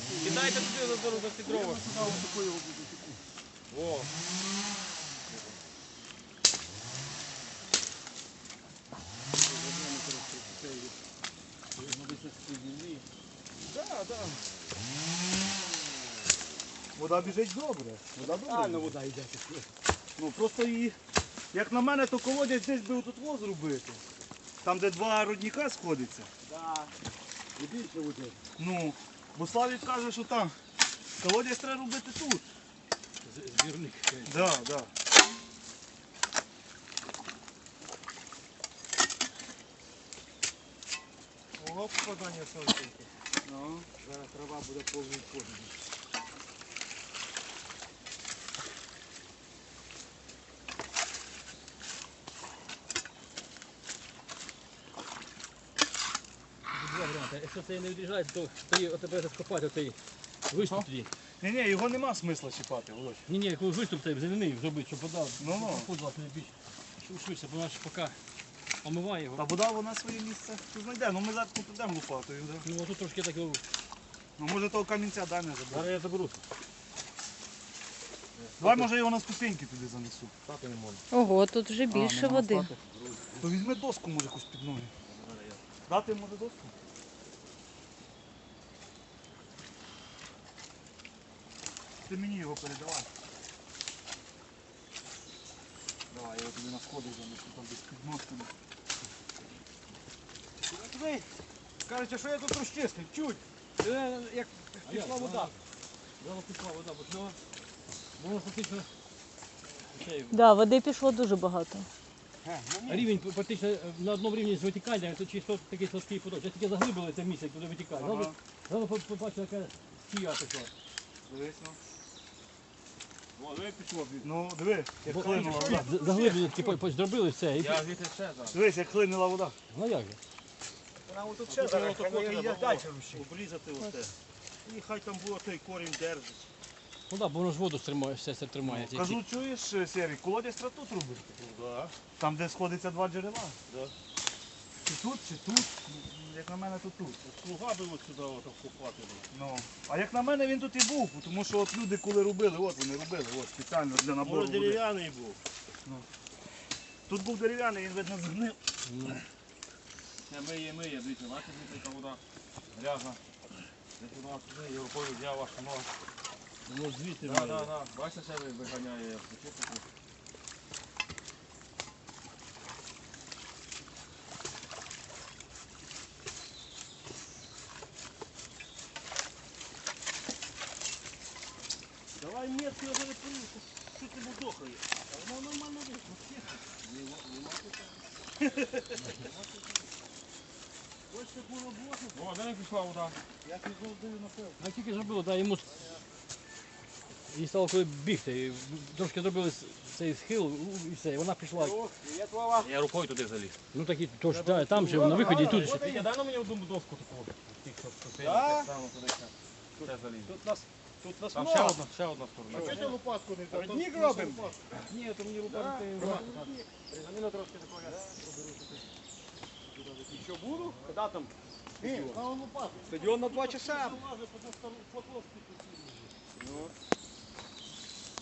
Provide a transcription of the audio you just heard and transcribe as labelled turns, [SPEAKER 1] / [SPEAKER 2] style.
[SPEAKER 1] Кидайте туди за ці дрова. О.
[SPEAKER 2] Да. Вода біжить добре.
[SPEAKER 3] Вода йде.
[SPEAKER 2] Ну просто її, як на мене, то колодязь десь би отут воз зробити. Там, де два родника сходяться.
[SPEAKER 3] Да. І більше води.
[SPEAKER 2] Ну, бо Славік каже, що там колодязь треба робити тут.
[SPEAKER 1] Збірник.
[SPEAKER 2] Да.
[SPEAKER 3] Ого, попадання сонценьки.
[SPEAKER 2] Ну.
[SPEAKER 3] Зараз трава буде повний кожен.
[SPEAKER 1] Якщо це не відріжається, то тебе розкопати оцей виступ тоді.
[SPEAKER 2] Ні, його нема смисла чіпати, Володь.
[SPEAKER 1] Ні, якийсь виступ цей земляний зробити, щоб вода
[SPEAKER 2] Ну.
[SPEAKER 1] більш швидше, бо наш поки омиває його.
[SPEAKER 2] Та вода вона своє місце знайде. Ну ми зараз тут йдемо лопатою. Да?
[SPEAKER 1] Ну тут трошки так його.
[SPEAKER 2] Ну може того камінця дай не заберу.
[SPEAKER 1] Зараз я заберу.
[SPEAKER 2] Давай може його на ступеньки туди занесу.
[SPEAKER 1] Стати не можна.
[SPEAKER 4] Ого, тут вже більше
[SPEAKER 2] нема
[SPEAKER 4] води.
[SPEAKER 2] стати. То візьми доску, може, якусь під ноги. Дати може доску? Ти мені його передавай. Давай, я його тобі на сходи занесу, там десь під ножками.
[SPEAKER 3] Диви, кажуть, що я тут розчистив, чуть. Як пішла вода.
[SPEAKER 1] Зараз пішла вода, бо воно фактично.
[SPEAKER 4] Да, води пішло дуже багато.
[SPEAKER 1] Рівень практично на одному рівні з витіканням, то чисто такий сладкий поток. Я тільки заглибили це місце, куди витікає. Зараз побачив, яка стія пішла.
[SPEAKER 2] Дивись, ну.
[SPEAKER 3] О, диви, пішло.
[SPEAKER 2] Ну, диви, як хлинула вода.
[SPEAKER 1] Заглиблення такі зробили все.
[SPEAKER 3] Я звідти ще зараз.
[SPEAKER 2] Дивись, як хлинула вода.
[SPEAKER 1] Ну як же?
[SPEAKER 3] Вона тут ще зараз, хай я далі рушить.
[SPEAKER 5] Обрізати оце. І хай там було той корінь держить.
[SPEAKER 1] Ну так, бо воно ж воду стримає, все це тримає.
[SPEAKER 2] Кажу, чуєш, Серій, колодязь треба тут робити.
[SPEAKER 5] Да.
[SPEAKER 2] Там, де сходиться два джерела.
[SPEAKER 5] Да.
[SPEAKER 2] Чи тут, як на мене, то тут.
[SPEAKER 5] Слуга би от сюди от вкопати.
[SPEAKER 2] Ну, а як на мене він тут і був, тому що от люди коли робили, от вони робили, от спеціально для набору
[SPEAKER 5] Може
[SPEAKER 2] води.
[SPEAKER 5] дерев'яний був.
[SPEAKER 2] Тут був дерев'яний, він видно згнив.
[SPEAKER 3] Це миє, дивіться, бачите, яка вода грязна. Десь у нас туди, його рукою взяв аж нога.
[SPEAKER 5] Ну звідти
[SPEAKER 3] Да. Бачите, це виганяє, як почистити.
[SPEAKER 5] Давай метку, я зараз порівся. Що ти мудохає? А воно нормально вийшло. Ось таку роботу.
[SPEAKER 3] О, де не пішла вода?
[SPEAKER 5] Я не завжди напевно.
[SPEAKER 1] А тільки зробили, так, йому і стало коли бігти. Трошки зробили цей схил і все, і вона пішла.
[SPEAKER 3] Є твова.
[SPEAKER 1] Я рукою туди заліз. Ну такі, то ж, там же на виході і тут же.
[SPEAKER 3] Вітя, дай на мені одну доску таку. Тих, що сильно так само туди ще заліз.
[SPEAKER 5] Тут нас
[SPEAKER 3] Там ще одна сторона.
[SPEAKER 5] А чого ти лопатку не дав?
[SPEAKER 3] Родник робимо? Ні, то мені лопатки. Заміна трошки такого я
[SPEAKER 5] Що буду? Коли там? Ні, на лопатку.
[SPEAKER 3] Стадіон на 2 часа.
[SPEAKER 5] Фото